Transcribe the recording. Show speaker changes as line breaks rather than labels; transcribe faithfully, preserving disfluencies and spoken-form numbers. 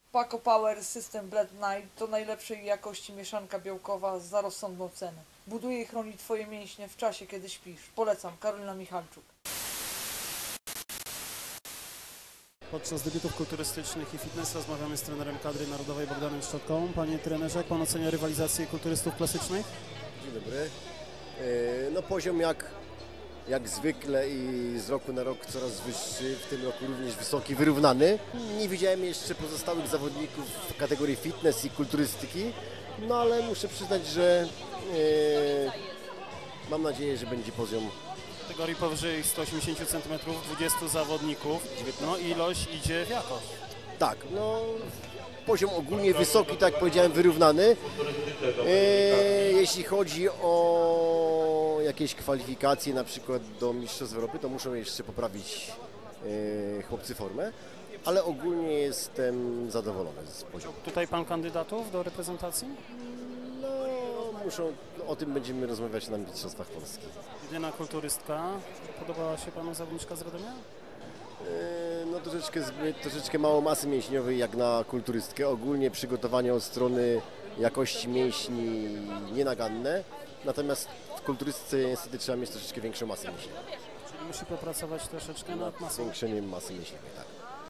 Paco Power System Blend Night to najlepszej jakości mieszanka białkowa za rozsądną cenę. Buduje i chroni Twoje mięśnie w czasie, kiedy śpisz. Polecam, Karolina Michalczuk.
Podczas debiutów kulturystycznych i fitness rozmawiamy z trenerem kadry narodowej Bogdanem Szczotką. Panie trenerze, jak Pan ocenia rywalizację kulturystów klasycznych?
Dzień dobry. No poziom jak, jak zwykle i z roku na rok coraz wyższy, w tym roku również wysoki, wyrównany. Nie widziałem jeszcze pozostałych zawodników w kategorii fitness i kulturystyki, no ale muszę przyznać, że e, mam nadzieję, że będzie poziom.
W kategorii powyżej sto osiemdziesiąt centymetrów, dwudziestu zawodników, no ilość idzie w jakość.
Tak, no poziom ogólnie wysoki, tak jak powiedziałem, wyrównany. E, jeśli chodzi o jakieś kwalifikacje na przykład do Mistrzostw Europy, to muszą jeszcze poprawić e, chłopcy formę, ale ogólnie jestem zadowolony z poziomu.
Tutaj Pan kandydatów do reprezentacji?
No, muszą, o tym będziemy rozmawiać na Mistrzostwach Polski.
Jedyna kulturystka. Podobała się Panu zawodniczka z Radomia?
E, no troszeczkę, zbyt, troszeczkę mało masy mięśniowej jak na kulturystkę. Ogólnie przygotowanie od strony jakości mięśni nienaganne, natomiast w kulturystce niestety trzeba mieć troszeczkę większą masę mięśniową.
Czyli musi popracować troszeczkę nad masą.
Zwiększeniem masy mięśniowej, tak.